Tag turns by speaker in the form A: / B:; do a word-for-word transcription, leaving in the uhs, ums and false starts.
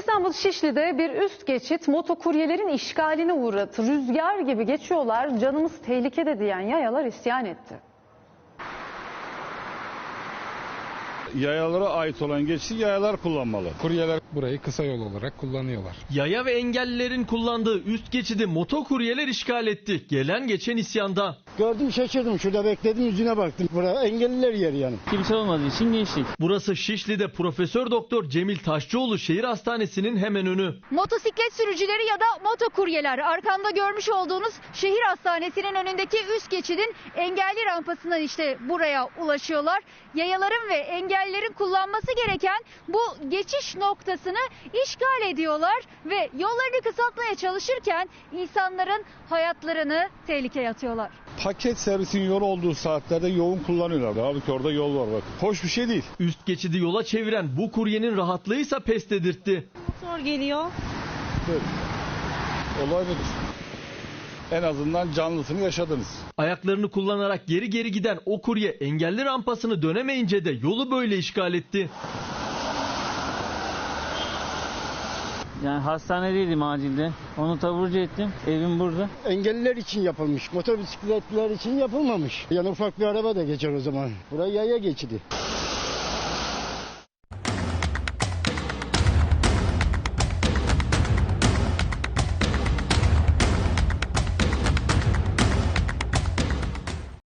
A: İstanbul Şişli'de bir üst geçit motokuryelerin işgaline uğradı. Rüzgar gibi geçiyorlar, canımız tehlikede diyen yayalar isyan etti.
B: Yayalara ait olan geçişi yayalar kullanmalı.
C: Kuryeler burayı kısa yol olarak kullanıyorlar.
D: Yaya ve engellilerin kullandığı üst geçidi motokuryeler işgal etti. Gelen geçen isyanda.
E: Gördüm, şaşırdım. Şurada bekledim, yüzüne baktım. Buraya engelliler yeri yani.
F: Kimse olmadığı için geçtik.
D: Burası Şişli'de Profesör Doktor Cemil Taşçıoğlu Şehir Hastanesi'nin hemen önü.
G: Motosiklet sürücüleri ya da motokuryeler, arkamda görmüş olduğunuz şehir hastanesinin önündeki üst geçidin engelli rampasından işte buraya ulaşıyorlar. Yayaların ve engellilerin kullanması gereken bu geçiş noktasını işgal ediyorlar ve yollarını kısaltmaya çalışırken insanların hayatlarını tehlikeye atıyorlar.
B: Paket servisin yolu olduğu saatlerde yoğun kullanıyorlar. Halbuki orada yol var bak. Hoş bir şey değil.
D: Üst geçidi yola çeviren bu kuryenin rahatlığıysa pes dedirtti.
H: Zor geliyor.
B: Böyle. Olay budur. En azından canlısını yaşadınız.
D: Ayaklarını kullanarak geri geri giden o kurye engelli rampasını dönemeyince de yolu böyle işgal etti.
F: Yani hastanedeydim acilde. Onu taburcu ettim. Evim burada.
E: Engelliler için yapılmış. Motosikletler için yapılmamış. Yani ufak bir araba da geçer o zaman. Buraya yaya geçidi.